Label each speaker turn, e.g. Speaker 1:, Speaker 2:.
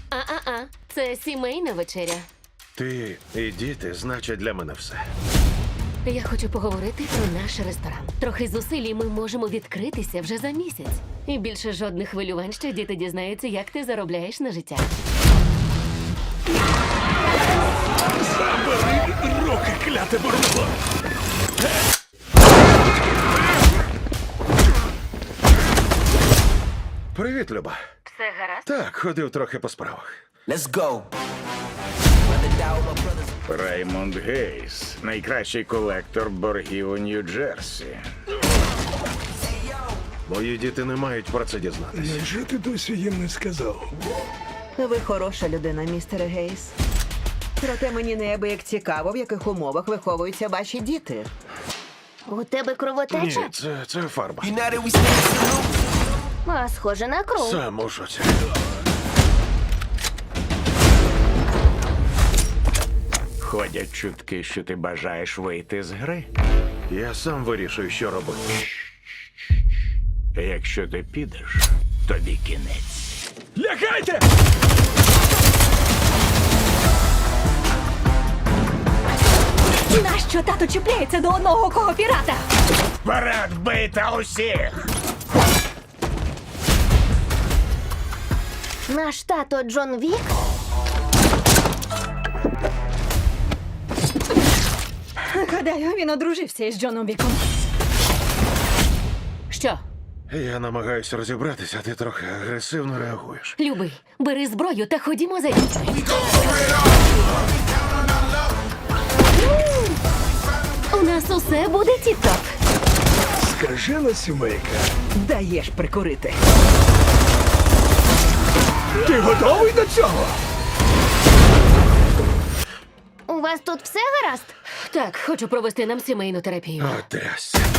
Speaker 1: Це сімейна вечеря.
Speaker 2: Ти і діти значать для мене все.
Speaker 1: Я хочу поговорити про наш ресторан. Трохи зусиль, і ми можемо відкритися вже за місяць. І більше жодних хвилювань, що діти дізнаються, як ти заробляєш на життя.
Speaker 3: Забери руки, кляте бурбо!
Speaker 2: Привіт, Люба.
Speaker 1: Все гаразд?
Speaker 2: Так, ходив трохи по справах.
Speaker 4: Let's go.
Speaker 3: Раймонд Гейс, найкращий колектор боргів у Нью-Джерсі.
Speaker 2: Мої діти не мають про це дізнатися.
Speaker 5: Невже ти досі їм не сказав?
Speaker 6: Ви хороша людина, містере Гейс. Проте мені неабияк цікаво, в яких умовах виховуються ваші діти.
Speaker 7: У тебе кровотеча?
Speaker 2: Ні, це фарба.
Speaker 4: United we stand salute.
Speaker 7: А, схоже на кров.
Speaker 2: Сам у шоці.
Speaker 3: Ходять чутки, що ти бажаєш вийти з гри.
Speaker 2: Я сам вирішую, що робити.
Speaker 3: Якщо ти підеш, тобі кінець. Лягайте!
Speaker 1: Нащо тато чіпляється до одного кого пірата?
Speaker 3: Вперед бийте усіх!
Speaker 7: Наш тато Джон Вік?
Speaker 1: Гадаю, він одружився із Джоном Віком. Що?
Speaker 2: Я намагаюся розібратися, а ти трохи агресивно реагуєш.
Speaker 1: Любий, бери зброю та ходімо за дітьми. У нас усе буде тіп-топ.
Speaker 5: Скажена сімейка.
Speaker 6: Даєш прикурити.
Speaker 5: Ти готовий до цього?
Speaker 7: У вас тут все гаразд?
Speaker 1: Так, хочу провести нам сімейну терапію.
Speaker 2: О, трясся.